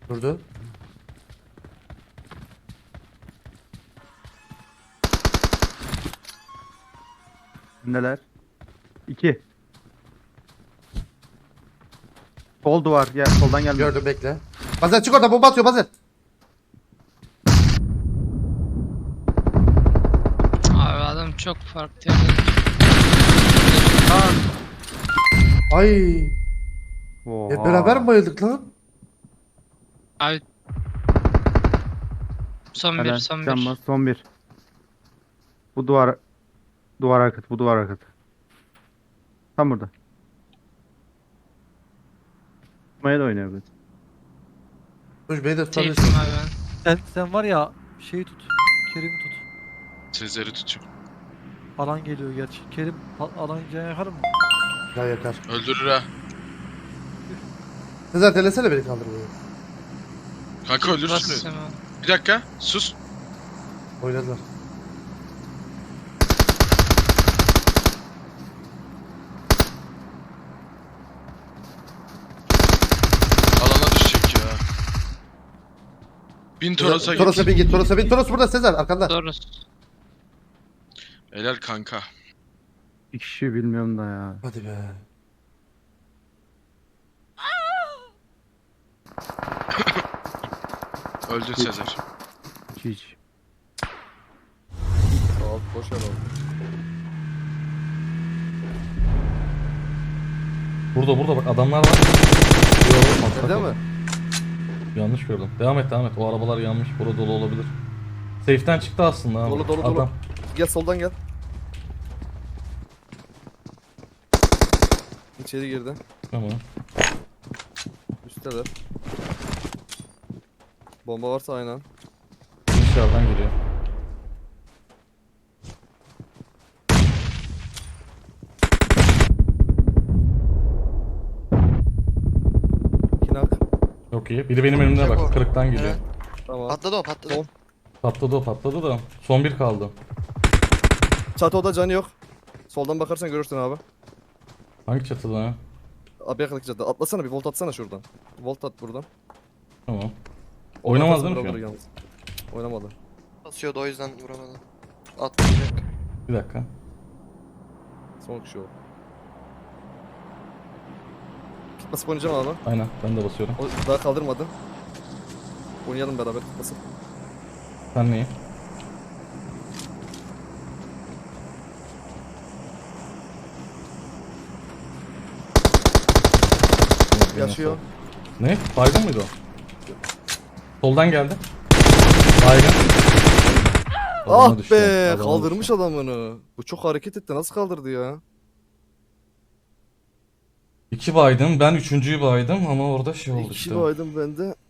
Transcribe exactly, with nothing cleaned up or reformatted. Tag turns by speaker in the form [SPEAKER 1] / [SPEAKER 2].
[SPEAKER 1] Durdu.
[SPEAKER 2] Neler? İki. Sol duvar. Gel soldan gelme.
[SPEAKER 1] Gördüm, bekle. Bazen çık orada, bomba atıyor bazen.
[SPEAKER 3] Abi adam çok farklı yerden.
[SPEAKER 1] Ay.
[SPEAKER 2] Oha.
[SPEAKER 1] Hep beraber mi bayıldık lan?
[SPEAKER 3] Abi son bir
[SPEAKER 2] Helal.
[SPEAKER 3] son
[SPEAKER 2] Can
[SPEAKER 3] bir.
[SPEAKER 2] bas, son bir. Bu duvar duvar arkası, bu duvar arkası. Tam burada. Maya da oynayabiliriz.
[SPEAKER 1] Dur, beni de
[SPEAKER 3] Safe'im
[SPEAKER 1] tutabilirsin.
[SPEAKER 3] abi ben.
[SPEAKER 4] Sen, sen var ya şeyi tut. Kerim'i tut.
[SPEAKER 5] Sezer'i tutayım.
[SPEAKER 4] Alan geliyor gerçi. Kerim a- alan can yakar mı?
[SPEAKER 1] Ya yakar.
[SPEAKER 5] Öldürür ha.
[SPEAKER 1] Sezer delesene beni kaldırmayı.
[SPEAKER 5] Kanka öldürürsün.
[SPEAKER 3] Basacağım abi.
[SPEAKER 5] Bir dakika sus.
[SPEAKER 1] Oynadılar.
[SPEAKER 5] Alana düşecek ya. Bin Toros'a git.
[SPEAKER 1] Toros'a bin git. Toros'a bin. Toros burada Sezer arkanda.
[SPEAKER 3] Doğru.
[SPEAKER 5] Helal kanka.
[SPEAKER 2] İki kişi bilmiyorum da ya.
[SPEAKER 1] Hadi be.
[SPEAKER 5] Öldün Sezer.
[SPEAKER 2] Hiç.
[SPEAKER 6] Alt boş yer oldu.
[SPEAKER 7] Burada burada bak adamlar var.
[SPEAKER 6] Evde mi?
[SPEAKER 7] Yanlış gördüm. Devam et devam et. O arabalar yanmış. Burada dolu olabilir. Safe'den çıktı aslında abi.
[SPEAKER 6] Dolu dolu dolu.
[SPEAKER 7] Adam.
[SPEAKER 6] Gel soldan gel. İçeri girdi.
[SPEAKER 7] Tamam.
[SPEAKER 6] Üstteler. Bomba varsa aynen.
[SPEAKER 7] Dışarıdan geliyor.
[SPEAKER 6] Kinak.
[SPEAKER 7] Çok iyi. Biri benim önümde bak. Kırıktan geliyor.
[SPEAKER 8] Evet.
[SPEAKER 6] Tamam.
[SPEAKER 8] Patladı o patladı.
[SPEAKER 6] Son.
[SPEAKER 7] Patladı o patladı da. Son bir kaldı.
[SPEAKER 6] Çatıda canı yok. Soldan bakarsan görürsün abi.
[SPEAKER 7] Hangi çatıda ha?
[SPEAKER 6] Abi yakındaki çatıda. Atlasana bir volt atsana şuradan. Volt at buradan.
[SPEAKER 7] Tamam. Oynamaz değil mi
[SPEAKER 6] Oradan
[SPEAKER 7] şu an?
[SPEAKER 6] yalnız. Oynamadı.
[SPEAKER 8] Basıyordu o yüzden vuramadı. Atlayacak.
[SPEAKER 7] Bir dakika.
[SPEAKER 6] Son kişi o. Kit basıp oynayacağım abi.
[SPEAKER 7] Aynen ben de basıyorum.
[SPEAKER 6] O daha kaldırmadı. Oynayalım beraber kit basıp.
[SPEAKER 7] Sen neyi?
[SPEAKER 6] Yaşıyor.
[SPEAKER 7] Ne? Baygın mıydı o? Soldan geldi. Baygın. Alana
[SPEAKER 6] Ah
[SPEAKER 7] düştü,
[SPEAKER 6] be,
[SPEAKER 7] alana
[SPEAKER 6] kaldırmış
[SPEAKER 7] düştü.
[SPEAKER 6] adamını. Bu çok hareket etti. Nasıl kaldırdı ya?
[SPEAKER 7] İki baydım. Ben üçüncüyü baydım ama orada şey oldu
[SPEAKER 6] İki
[SPEAKER 7] işte.
[SPEAKER 6] baydım ben de.